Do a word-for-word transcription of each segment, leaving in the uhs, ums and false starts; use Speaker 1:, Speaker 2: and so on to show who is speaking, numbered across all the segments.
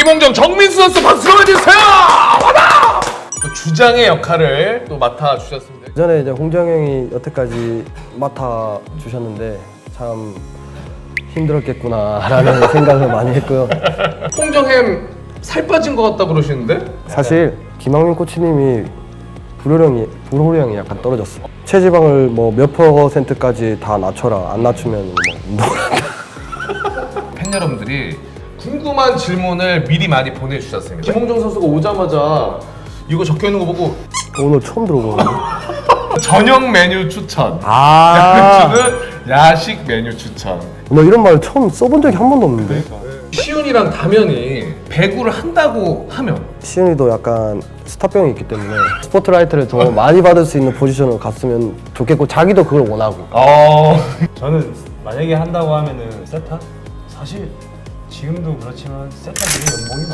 Speaker 1: 김홍정, 정민수 선수 박수로 해주세요. 와라! 또 주장의 역할을 또 맡아 주셨습니다.
Speaker 2: 전에 이제 홍정 형이 여태까지 맡아 주셨는데 참 힘들었겠구나라는 생각을 많이 했고요.
Speaker 1: 홍정햄 살 빠진 것 같다 그러시는데?
Speaker 2: 사실 김학민 코치님이 불호령이 불호령이 약간 떨어졌어. 체지방을 뭐 몇 퍼센트까지 다 낮춰라. 안 낮추면 뭐 운동한다.
Speaker 1: 팬 여러분들이 궁금한 질문을 미리 많이 보내주셨습니다. 김홍정 선수가 오자마자 이거 적혀 있는 거 보고
Speaker 2: 오늘 처음 들어보는데.
Speaker 1: 저녁 메뉴 추천.
Speaker 2: 아,
Speaker 1: 야식은 야식 메뉴 추천.
Speaker 2: 나 이런 말 처음 써본 적이 한 번도 없는데.
Speaker 1: 시윤이랑 다면이 배구를 한다고 하면
Speaker 2: 시은이도 약간 스타병이 있기 때문에 스포트라이트를 더 많이 받을 수 있는 포지션으로 갔으면 좋겠고 자기도 그걸 원하고.
Speaker 1: 어
Speaker 3: 저는 만약에 한다고 하면은 세타? 사실 지금도 그렇지만 세타들이 연봉이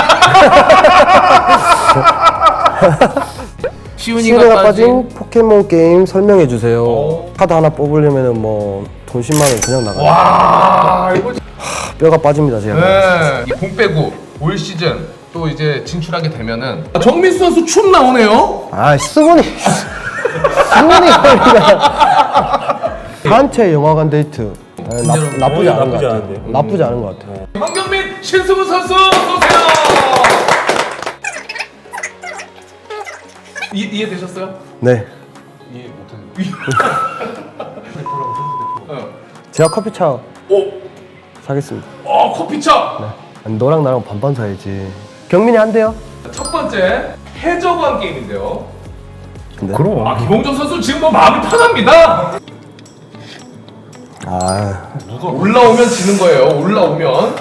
Speaker 3: 많아요.
Speaker 1: 시윤이가
Speaker 2: 시은이가
Speaker 1: 빠진
Speaker 2: 빠진 포켓몬 게임 설명해 주세요.
Speaker 1: 어.
Speaker 2: 카드 하나 뽑으려면은 뭐 돈 십만 원 그냥 나가요.
Speaker 1: 와 이거
Speaker 2: 뼈가 빠집니다 제가.
Speaker 1: 네. 이 봄 빼고 올 시즌 또 이제 진출하게 되면은 정민수 선수 춤 나오네요.
Speaker 2: 아 수근이 수근이 거리가 단체 영화관 데이트. 아, 나, 나쁘지 않은 것
Speaker 3: 나쁘지
Speaker 2: 같아요.
Speaker 3: 않은데요?
Speaker 2: 나쁘지 않은 것 같아요.
Speaker 1: 황경민, 신승우 선수 어서오세요. 이, 이해되셨어요?
Speaker 2: 네.
Speaker 1: 이해 못했는데. 어.
Speaker 2: 제가 커피차
Speaker 1: 오,
Speaker 2: 사겠습니다.
Speaker 1: 어 커피차.
Speaker 2: 아니, 너랑 나랑 반반 사야지. 경민이 한대요?
Speaker 1: 첫 번째 해적왕 게임인데요.
Speaker 2: 근데
Speaker 3: 그럼.
Speaker 1: 아 김홍정 선수 지금 뭐 마음이 편합니다.
Speaker 2: 아
Speaker 1: 누가 올라오면 지는 거예요. 올라오면.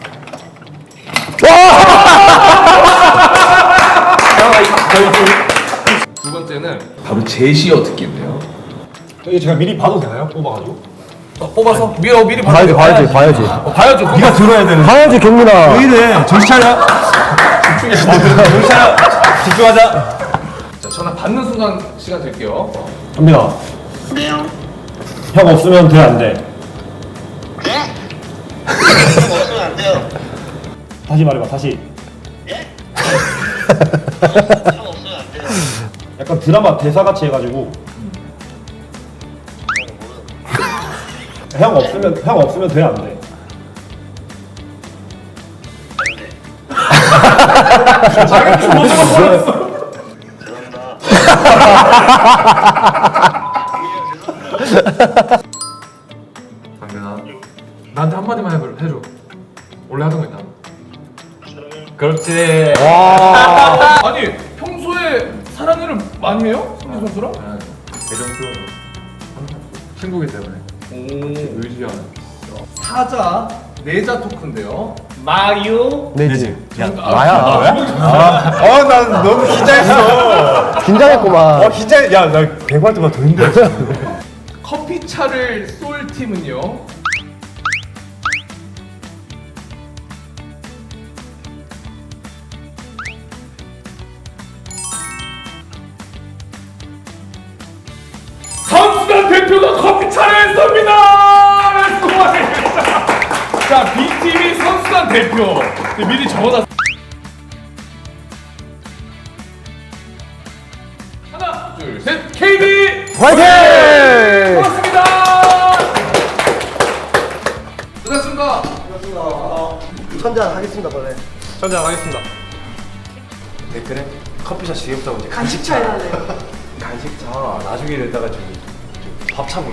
Speaker 1: 두 번째는 바로 제시어 듣기인데요.
Speaker 3: 이게 제가 미리 봐도 되나요? 뽑아가지고?
Speaker 1: 어, 뽑아서 미리 어, 미리
Speaker 2: 봐야지 봐야지 봐야지
Speaker 1: 어, 봐야죠.
Speaker 3: 네가 들어야 되는.
Speaker 2: 봐야지 경민아.
Speaker 3: 왜 이래? 정신 차려. 정신 차려. 집중하자.
Speaker 1: 자, 전화 받는 순간 시간 드릴게요.
Speaker 3: 갑니다.
Speaker 4: 네요.
Speaker 3: 형 없으면 돼, 안 돼?
Speaker 4: 네? 형 없으면 안 돼요.
Speaker 3: 다시 말해봐, 다시.
Speaker 4: 예? 형 없으면 안 돼요.
Speaker 3: 약간 드라마 대사같이 해가지고. 형 없으면, 형 없으면 돼, 안 돼?
Speaker 1: 자기 좀 먼저 버렸어. 당근아, 나한테 한 마디만 해줘. 해줘. 원래 하던 거 있나?
Speaker 3: 그렇지.
Speaker 1: 아니 평소에 사랑을 많이 해요? 성민 선수랑?
Speaker 5: 애정 표현으로 친구기 때문에
Speaker 1: 오.
Speaker 5: 의지하는.
Speaker 1: 사자 내자 토크인데요. 마유.
Speaker 2: 내지.
Speaker 3: 야,
Speaker 2: 나야.
Speaker 3: 어, 난 너무 긴장했어.
Speaker 2: 긴장했구만.
Speaker 3: 어, 긴장. 야, 나 백발 동안 더 힘들었어.
Speaker 1: 커피차를 쏠 팀은요. 선수단 대표가 커피차를 쏩니다. 고맙습니다. 자, B팀이 선수단 대표. 네, 미리 적어놨. 하나, 둘, 셋, 케이비
Speaker 2: 화이팅!
Speaker 1: 고맙습니다. 수고하셨습니다.
Speaker 2: 천장 하겠습니다 원래.
Speaker 3: 전장 하겠습니다.
Speaker 5: 댓글에 커피숍 지겹다고 이제
Speaker 6: 간식차 해야 돼.
Speaker 5: 간식차 나중에 낸다가 저기 밥 차고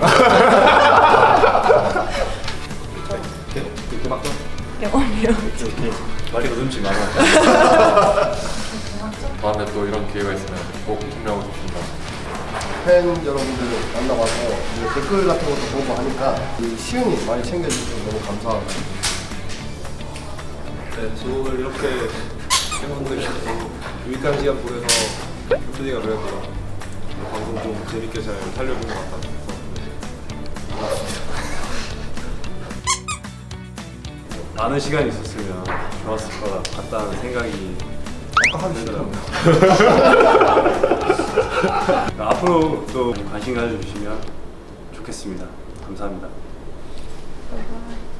Speaker 5: 이렇게 막 좀.
Speaker 6: 영원이요.
Speaker 5: 말이 거듭지 마라. 다음에 또 이런 기회가 있으면 꼭 참여하고 싶습니다.
Speaker 2: 팬 여러분들 만나봐서 이제 댓글 같은 것도 보고 하니까 이 시은이 많이 챙겨주셔서 너무 감사합니다.
Speaker 7: 네, 저 오늘 이렇게 팬분들이랑 유익한 시간 보내서 혁준이가 그래도 방송 좀 재밌게 잘 살려본 것 같아서 많은 시간이 있었으면 좋았을 것 같다는 생각이 아까 하기 싫더라고요. 앞으로 또 관심 가져주시면 좋겠습니다. 감사합니다.